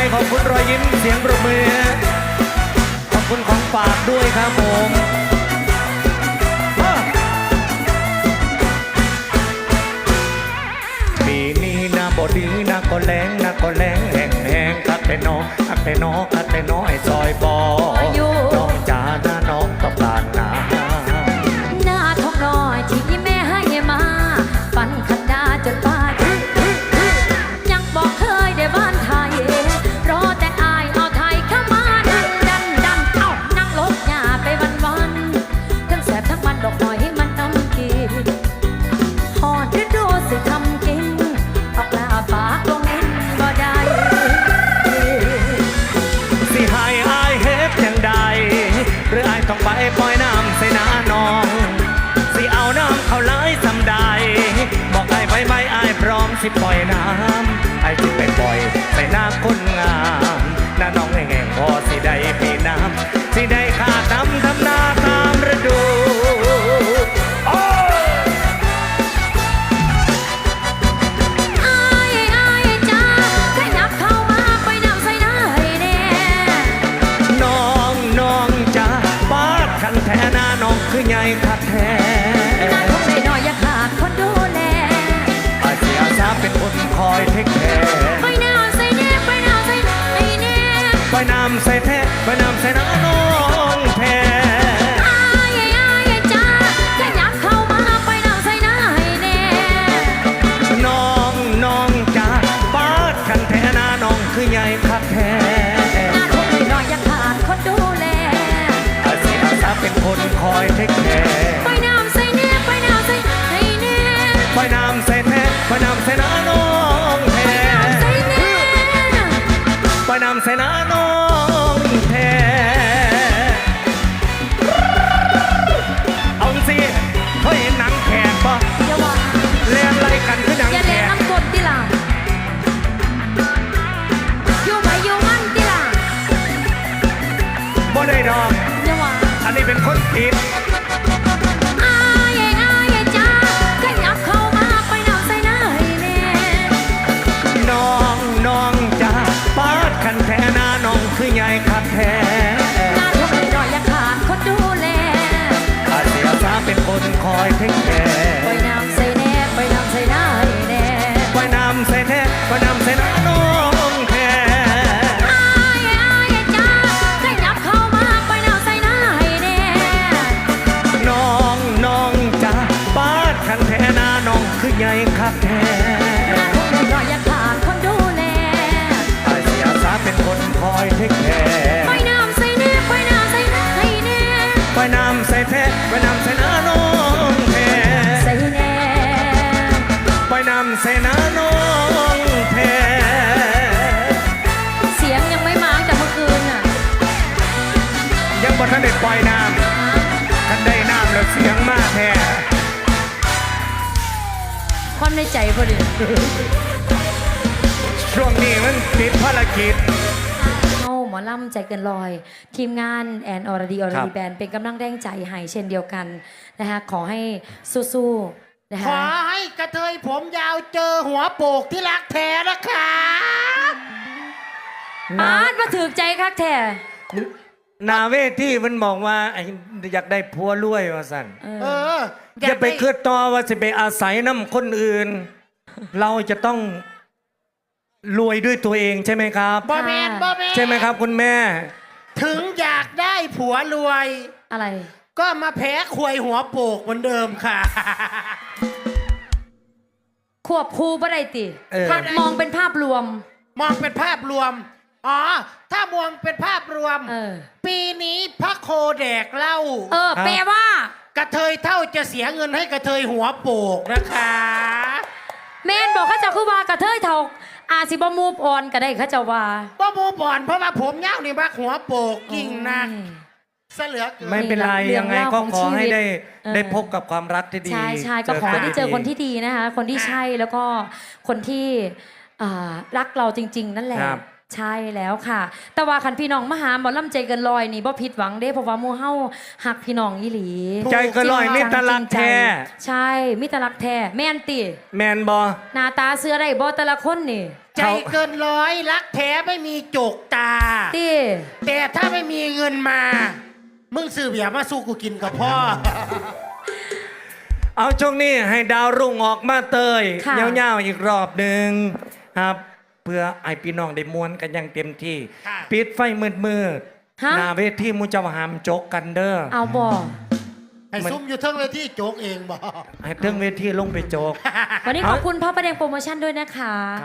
ขอบคุณรอยยิ้มเสียงปรบมือขอบคุณของฝากด้วยครับผมปีนี้นะบดีนะก็แรงนะก็แรงแห้งคัดแต่น้องคัดแต่น้องคัดแต่น้อยซอยบอน้องจ๋าหน้าน้องต้องการนาหน้าทองน้อยที่แม่ให้มาปันขันดาจนป้ายังบอกเคยได้บ้านไทยรอแต่อายเอาไทยเข้ามาดันเอ้านั่งลบหญ้าไปวันทั้งแสบทั้งมันดอกหน่อยให้มันน้ำกินหอดฤดูสิทำกินออกลาปากลงนินบ่ได้สิให้อายเฮ็ดจังใดหรืออายต้องไปปล่อยน้ำใส่หน้าน้องสิเอาน้ำเขาไหลสำใดบอกอายไปไหมอายพร้อมสิปล่อยน้ำอายสิไปปล่อยใส่หน้าคนงามหน้าน้องแง่ๆพอสิได้ปีน้ำสิได้ขาดน้ำทำนาตามฤดูแท้หน้าน้องคือใหญ่คักแท้หน้าท้องน้อยอย่าขาดคนดูแลอาเสียสาเป็นคนคอยเทคแคร์ไปน้ำใส่แน่ไปน้ำใส่ให้แน่ไปน้ำใส่แท้ไปน้ำใส่หน้าน้องแท้อายจ้าแค่ยับเข้ามาไปน้ำใส่หน้าให้แน่น้องจ้าปาดคันแท้หน้าน้องคือใหญ่คักแท้หน้าท้องน้อยอย่าขาดคนดูแลเป็นคนคอยเทคแคร์ไปน้ำใส่แน่ไปน้ำใส่ให้แน่ไปน้ำใส่แท้ไปน้ำใส่หน้าน้องแท้ไปน้ำใส่หน้าน้องแท้เอาสิเขาเห็นหนังแขกปะเล่นอะไรกันคือหนังแขกอย่าเล่นน้ำกดติล่ะอยู่ไปอยู่มันติล่ะบ่ได้ดอกอันนี้เป็นคนผิดอายจ้าขยับเข้ามาไปน้ำใส่หน้าให้แน่น้องจ้าปาดคันแท้หน้าน้องคือใหญ่คักแท้หน้าท้องน้อยอย่าขาดคนดูแลอาเสียสาเป็นคนคอยเทคแคร์ไปน้ำใส่แน่ไปน้ำใส่หน้าให้แน่ไปน้ำใส่แท้ไปน้ำใส่หน้าน้องแท้คือใหญ่คักแท้หน้าท้องน้อยอย่าขาดคนดูแลอาเสียสาเป็นคนคอยเทคแคร์ไปน้ำใส่แน่ไปน้ำใส่ให้แน่ไปน้ำใส่แท้ไปน้ำใส่หน้าน้องแท้ใส่แน่ไปน้ำใส่หน้าน้องแท้เสียงยังไม่มาจากเมื่อคืนอ่ะยังบ่ทันได้ปล่อยน้ำทันได้น้ำแล้วเสียงมากแท้ความในใจพอดีช่วงนี้มันติดภารกิจหมอลำใจเกินลอยทีมงานแอนอรดีแบนเป็นกำลังแรงใจให้เช่นเดียวกันนะคะขอให้สู้ๆนะคะขอให้กระเทยผมยาวเจอหัวโปกที่รักแท้นะคะมาถือใจคักแท้นาเวทีมันบอกว่าอยากได้ผัวรวยว่าสั่นอย่าไปคิดต่อว่าจะไปอาศัยน้ำคนอื่นเราจะต้องรวยด้วยตัวเองใช่ไหมครับบ่แมนใช่ไหมครับคุณแม่ถึงอยากได้ผัวรวยอะไรก็มาแพ้ควยหัวโปกเหมือนเดิมค่ะควบคู่บ่ได้ติมองเป็นภาพรวมอ๋ถ้ามองเป็นภาพรวมปีนี้พระโคแดกเหล้าแปลว่ากระเทยเท่าจะเสียเงินให้กระเทยหัวโปกนะคะแม่นบอกเขาจะคือว่ากระเทยเท่าอาสิบ่มูฟออนก็ได้เขาจะว่าบ่มูฟออนเพราะว่าผมยาวนี่บักหัวโปกกิ่งนักเสลือเกินไม่เป็นไรยังไงก็ขอให้ได้พบกับความรักที่ดีใช่ก็ขอให้ได้เจอคนที่ดีนะคะคนที่ใช่แล้วก็คนที่รักเราจริงๆนั่นแหละใช่แล้วค่ะแต่ว่าคันพี่น้องมาหาหมอลำใจเกินลอยนี่บ่ผิดหวังเด้เพราะว่าหมู่เฮาฮักพี่น้องอีหลีใจเกินลอยมิตรรักแท้ใช่มิตรรักแท้แม่นติแม่นบ่หน้าตาเสื้อได้บ่แต่ละคนนี่ใจเกินร้อยรักแท้ไม่มีจกตาตีแต่ถ้าไม่มีเงินมา มึงซื้อเบียร์มาสู้กูกินกับพ่อเอาช่วงนี้ให้ดาวรุ่งออกมาเตยเงาๆอีกรอบหนึ่งครับ เพื่อไอพี่น้องได้มวนกันอย่างเต็มที่ค่ะปิดไฟมืดๆหน้าเวทีมูจะหามโจกกันเด้อเอาบ่ให้ซุ่มอยู่เทิงเวทีโจกเองบอกให้เทิงเวทีลงไปโจกวันนี้ขอบคุณพ่อประแดงโปรโมชั่นด้วยนะคะ